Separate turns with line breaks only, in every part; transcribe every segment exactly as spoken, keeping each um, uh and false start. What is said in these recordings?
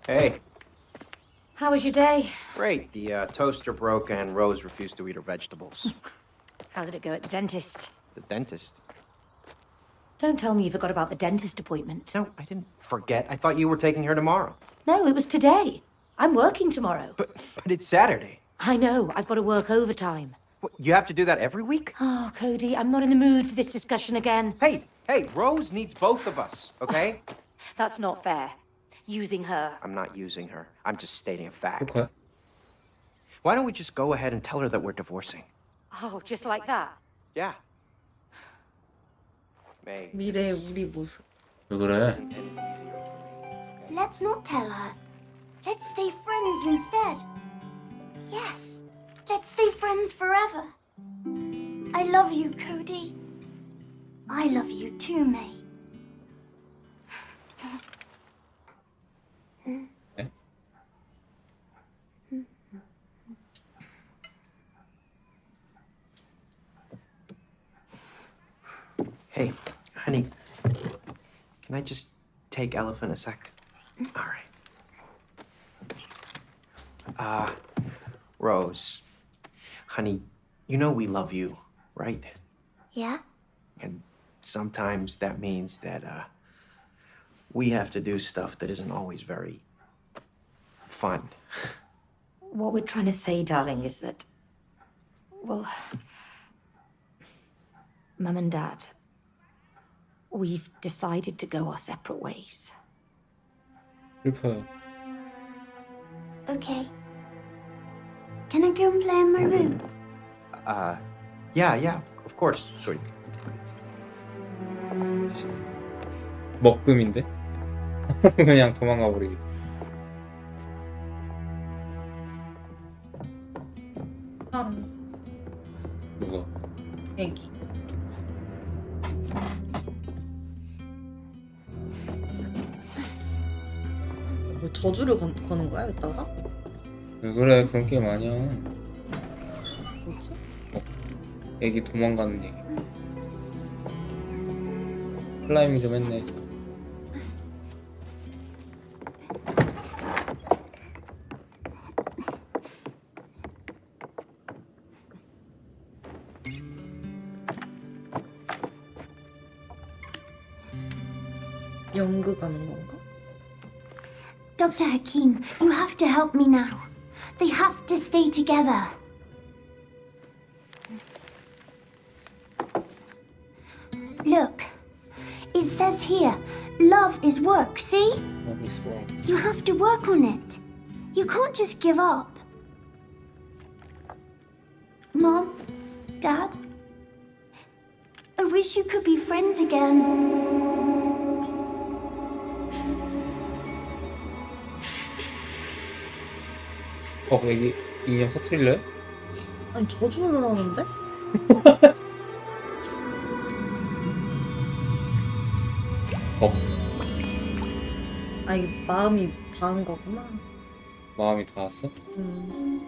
Hey.
How was your day?
Great. The uh, toaster broke and Rose refused to eat her vegetables.
How did it go at the dentist?
The dentist?
Don't tell me you forgot about the dentist appointment.
No, I didn't forget. I thought you were taking her tomorrow.
No, it was today. I'm working tomorrow.
But but it's Saturday.
I know. I've got to work overtime.
What, you have to do that every week?
Oh, Cody, I'm not in the mood for this discussion again.
Hey, hey, Rose needs both of us, okay?
That's not fair. Using her.
I'm not using her. I'm just stating a fact.
Okay.
Why don't we just go ahead and tell her that we're divorcing?
Oh, just like that?
Yeah. May.
미래의 우리 모습.
왜 그래?
Isn't any easier for me, okay?
Let's not tell her. Let's stay friends instead. Yes, let's stay friends forever. I love you, Cody. I love you too, May.
네?
Hey, honey, can I just take Elephant a sec? All right. Uh, Rose, honey, you know we love you, right?
Yeah?
And sometimes that means that, uh, we have to do stuff that isn't always very fun.
What we're trying to say, darling, is that... Well... Mum and Dad... We've decided to go our separate ways.
슬퍼요.
Okay. Can I go and play in my room?
Uh, yeah, yeah, of course, sweetie.
먹금인데? 그냥 도망가 버리기.
사람,
누가?
애기. 뭐 저주를 건, 거는 거야, 이따가?
왜 그래? 그런 게임 아니야.
뭐지?
애기 도망가는 얘기. 클라이밍 좀 했네.
연극 가는 건가?
Doctor Hakim, you have to help me now. They have to stay together. Look, it says here, love is work, see?
Love is wrong.
You have to work on it. You can't just give up. Mom, Dad, I wish you could be friends again.
어, 애기 인형 터트릴래?
아니, 저주를 하는데?
어,
아, 이게 마음이 닿은 거구나.
마음이 닿았어?
음.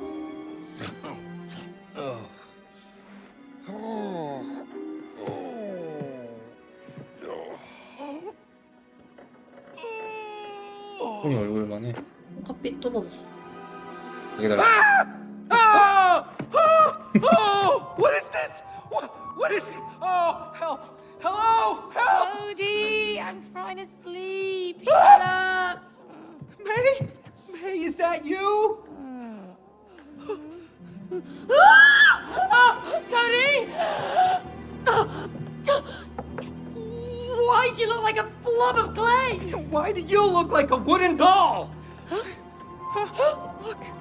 손이 얼굴만 해.
커피 뚫어졌어.
여기다가.
Oh! Oh! Oh! What is this? What, what is it? Oh, help! Hello! Help!
Cody, I'm trying to sleep. Shut up.
May? May, is that you?
Cody! Why'd you look like a blob of clay?
Why do you look like a wooden doll? Look.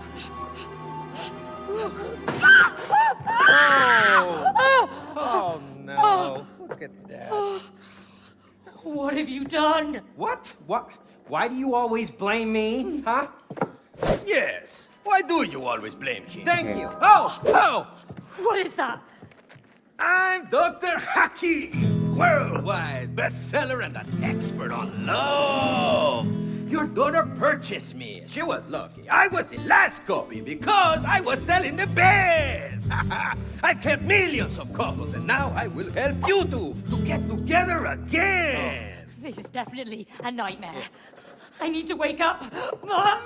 Oh. Oh no. Look at that.
What have you done?
What? What? Why do you always blame me, huh?
Yes. Why do you always blame him?
Thank you.
Oh! Oh!
What is that?
I'm Doctor Hakim, worldwide bestseller and an expert on love. Your daughter purchased me. She was lucky. I was the last copy because I was selling the best. I've helped millions of couples, and now I will help you two to get together again.
This is definitely a nightmare. I need to wake up.
No!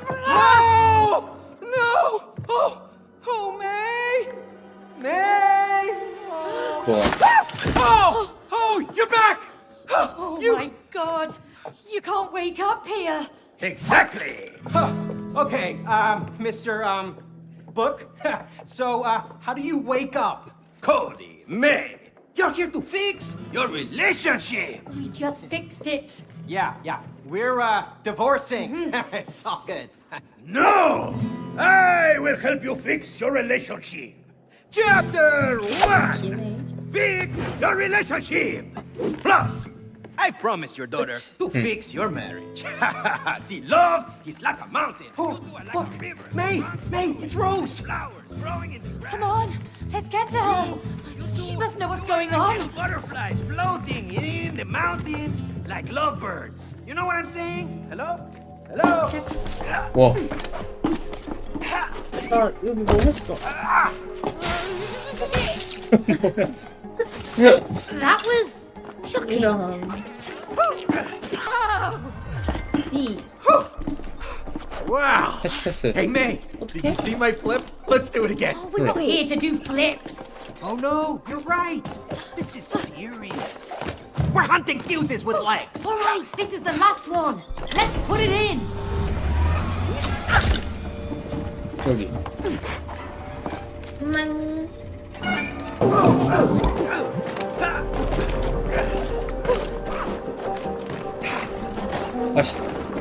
No! Oh! Oh, May! May!
좋아.
Oh! Oh, you're back!
Oh my god. You can't wake up here.
Exactly! Okay, um, Mister Um, Book. So, uh, how do you wake up? Cody, May, you're here to fix your relationship!
We just fixed it.
Yeah, yeah. We're uh divorcing. It's all good.
No! I will help you fix your relationship! Chapter one!
기네.
Fix your relationship! Plus, I promised your daughter to fix your marriage. See, love is like a mountain.
Oh,
You two are like
look,
a river.
May, May, it's Rose.
Flowers growing in the grass.
Come on, let's get to her. She must know what's going on.
Little butterflies floating in the mountains like lovebirds. You know what I'm saying? Hello? Hello?
와.
나 여기 뭐 했어?
That was shocking.
이런. B.
Wow.
패스 패스.
Hey, May. Did you see my flip? Let's do it again.
We're not here to do flips.
Oh, no. You're right. This is serious. We're hunting fuses with legs.
All right, this is the last one. Let's put it in.
여기.
음.
아씨.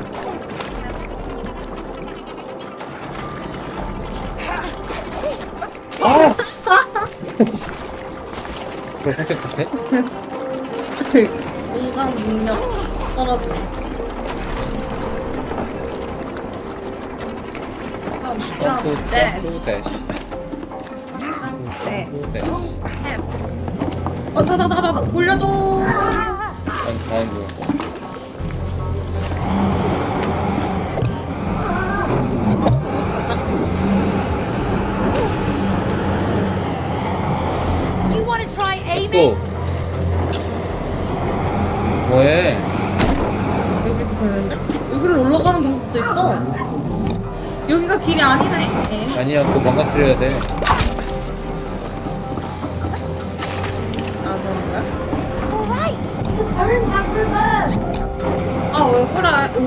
아! 그걸 선택해?
공간 능력 떨어져.
또
네.
또 대.
네.
또 대.
어, 자, 자, 자, 자, 올려줘.
다음 다음 거.
You want to try
또.
aiming?
뭐해?
여기도 되는데? 여기를 올라가는 방법도 있어. 여기가 길이 아니네.
아니야, 그거 망가뜨려야 돼.
아, 그런가?
All right.
아, 왜 그래?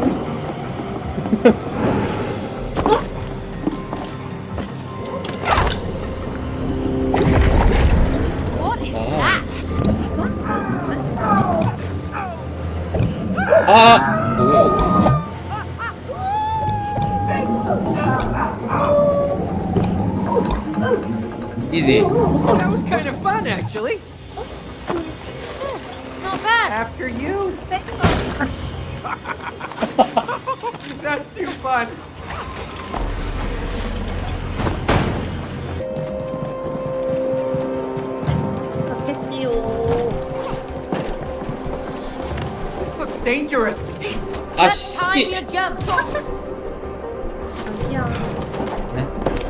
What is
Ah.
that?
아! 뭐야? 이지.
That was kind of fun, actually.
Not bad.
After you. That's too fun.
좋겠지요.
This looks dangerous.
That's time
아씨.
you jump.
아니야.
네?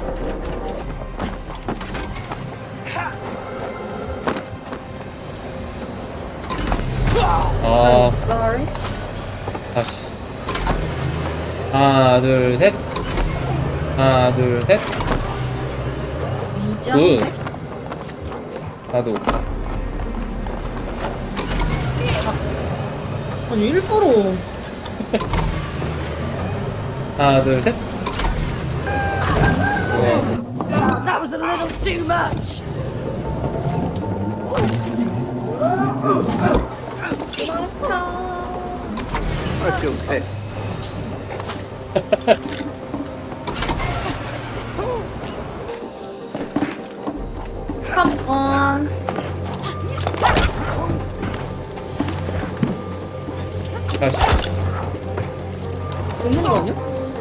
아,
Sorry.
다시. 하나, 둘, 셋. 하나, 둘, 셋.
이점.
굿. 나도.
아니, 일부러.
하나, 둘, 셋. 네.
That was a little too much.
I feel it.
Come on.
다시.
먹는 거 아니야?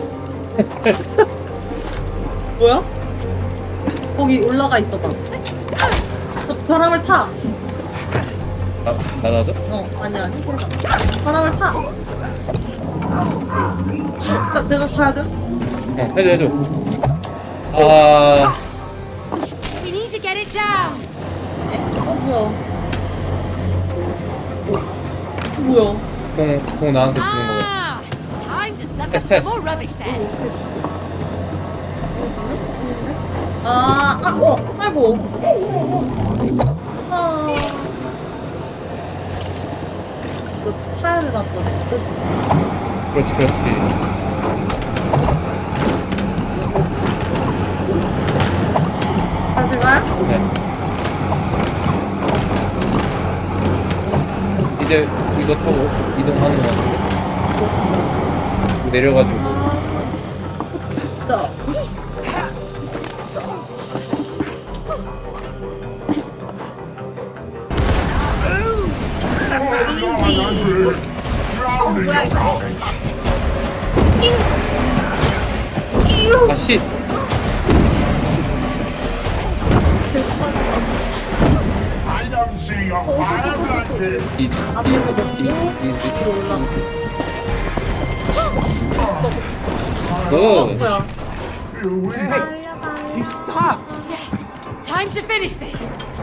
뭐야? 거기 올라가 있어봐. 저 바람을 타.
나, 나가죠?
어, 아니, 아니. 바람을 타. 나, 내가 가야 돼?
어, 해줘, 해줘. 아,
We need to get it down.
에? 어, 뭐야. 어, 뭐야.
공, 공 나한테 주는 거.
Ah, time to
Suck
Pass,
up
pass.
some more rubbish then.
아, 아, 어, 아이고. 아. 이거 차야를 놨거든. 그치?
그렇지, 그렇지.
다시 가요?
네. 이제 이거 타고 이동하는 거 같은데? 이거 내려가지고.
자. 어, 뭐야, 이거.
아, 씨!
I don't see your fire blood here.
이, 이, 이, 이,
뒤로 올라가.
이,
어,
굿!
뭐야.
You will.
He stopped.
Time to finish this.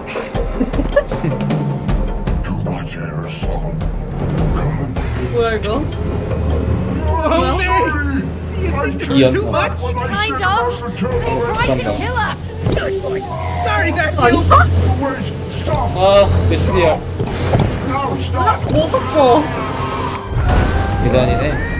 Too much aerosol.
뭐야, 이거?
Oh,
Sorry. I
이연.
Too much?
When I
Kind
said
of.
over to over.
Trying to
잠깐만.
kill us.
Sorry, Garfield.
Wait, stop.
아, 몇 시야?
No, stop.
뭐 섞어?
계단이네.